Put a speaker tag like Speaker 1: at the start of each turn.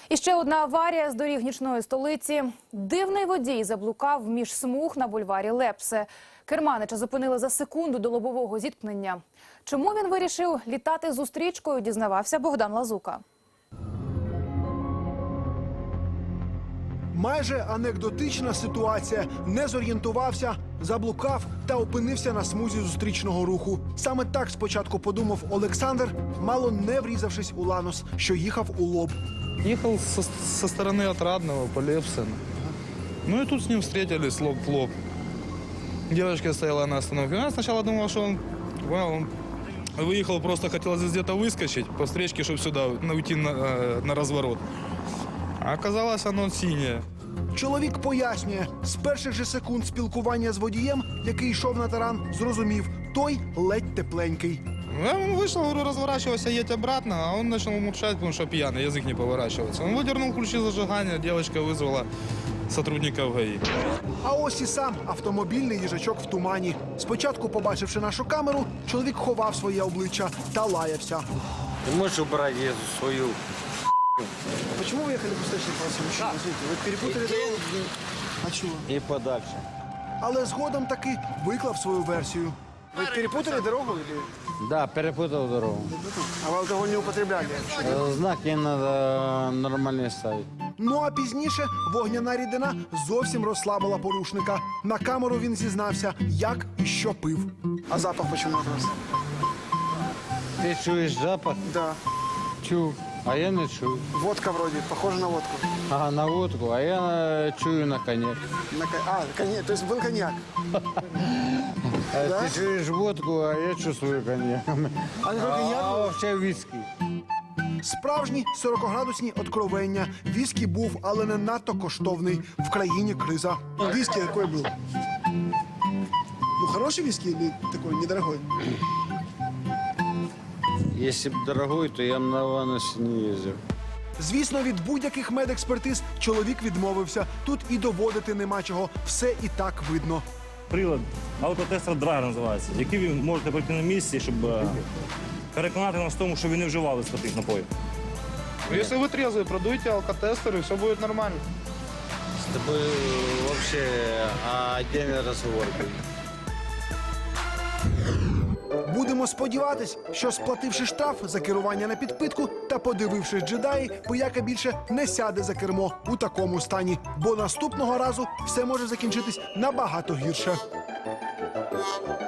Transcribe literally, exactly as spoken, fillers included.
Speaker 1: І ще одна аварія з доріг нічної столиці. Дивний водій заблукав між смуг на бульварі Лепсе. Керманича зупинили за секунду до лобового зіткнення. Чому він вирішив літати зустрічкою, дізнавався Богдан Лазука.
Speaker 2: Майже анекдотична ситуація. Не зорієнтувався, заблукав та опинився на смузі зустрічного руху. Саме так спочатку подумав Олександр, мало не врізавшись у Ланос, що їхав у лоб.
Speaker 3: Ехал со, со стороны Отрадного по Лепсену. Ну и тут с ним встретились лоб в лоб. Девочка стояла на остановке. Я сначала думал, что он, well, он выехал, просто хотел здесь где-то выскочить по встречке, чтобы сюда уйти на, на разворот. А оказалось, оно синее.
Speaker 2: Чоловік пояснює, з перших же секунд спілкування з водієм, який йшов на таран, зрозумів, той ледь тепленький.
Speaker 3: Я ему вышел, говорю, разворачивайся, едь обратно, а он начал мурчать, потому что пьяный, язык не поворачивается. Он выдернул ключи зажигания, девочка вызвала сотрудников ГАИ.
Speaker 2: А ось і сам автомобільний їжачок в тумані. Спочатку, побачивши нашу камеру, чоловік ховав своє обличчя та лаявся.
Speaker 4: Ты можешь убрать эту свою...
Speaker 2: Почему вы ехали в встречный полосе? Мужчина, вы перепутали дорогу? А чего?
Speaker 4: И подальше.
Speaker 2: Але згодом таки виклав свою версію. Ви перепутали дорогу? Или...
Speaker 4: Да, перепутал дорогу.
Speaker 2: А ви алкоголь не употребляли?
Speaker 4: Э, Знаки надо нормально ставить.
Speaker 2: Ну а пізніше вогняна рідина зовсім розслабила порушника. На камеру він зізнався, як і що пив. А запах чому у вас?
Speaker 4: Ты чуешь запах?
Speaker 2: Да.
Speaker 4: Чу. А я не чую.
Speaker 2: Водка вроде, похожа на водку.
Speaker 4: Ага, на водку, а я э, чую на коньяк.
Speaker 2: На кон- А, коньяк, то есть был коньяк.
Speaker 4: А
Speaker 2: Да?
Speaker 4: Ты чуешь водку, а я чувствую коньяк.
Speaker 2: А не
Speaker 4: А
Speaker 2: коньяк?
Speaker 4: вообще виски.
Speaker 2: Справжні сорокаградусні откровення. Віскі був, але не надто коштовний. В країні криза. Віскі який був? Ну, хороший віскі или такой недорогой?
Speaker 4: Если бы дорогой, то я бы на Ланосе не ездил.
Speaker 2: Звісно, від будь-яких медекспертиз чоловік відмовився. Тут і доводити нема чого. Все і так видно.
Speaker 5: Прилад алкотестер драйвер називається, який ви можете пройти на місці, щоб е, переконати нас в тому, що ви не вживали спиртних напоїв.
Speaker 3: Если вы трезвый, продуйте алкотестер, и все будет нормально.
Speaker 4: С тобой вообще отдельный разговор будет.
Speaker 2: Будемо сподіватись, що сплативши штраф за керування на підпитку та подивившись джедаї, пияка більше не сяде за кермо у такому стані. Бо наступного разу все може закінчитись набагато гірше.